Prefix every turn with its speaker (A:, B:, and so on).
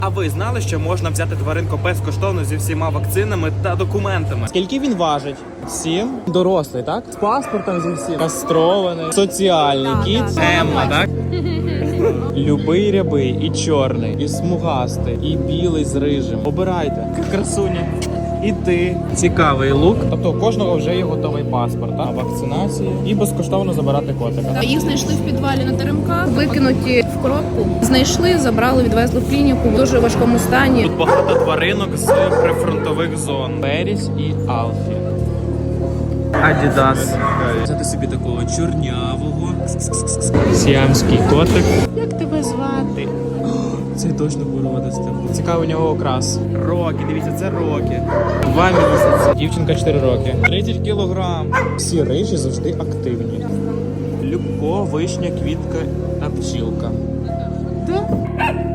A: А ви знали, що можна взяти тваринку безкоштовно зі всіма вакцинами та документами?
B: Скільки він важить? 7. Дорослий, так? З паспортом зі всім. Кастрований. Соціальний кіт.
A: Емма, так?
B: Любий рябий, і чорний, і смугастий, і білий з рижим. Обирайте. Красуня. І ти. Цікавий лук. Тобто у кожного вже є готовий паспорт, так? На вакцинації. І безкоштовно забирати котика.
C: Їх знайшли в підвалі на теремках, викинуті в коробку. Знайшли, забрали, відвезли в клініку в дуже важкому стані.
A: Тут багато тваринок з прифронтових зон.
B: Беріс і Алфі.
A: Адідас. Взяти собі такого чорнявого.
B: Сіамський котик. Як тебе звати? Цей точно буде водити. Цікавий у нього окрас.
A: Рокі, дивіться, це Рокі.
B: 2 місяці. Дівчинка 4 роки. 30 кілограм. Всі рижі завжди активні. Любко, вишня, квітка та пчілка.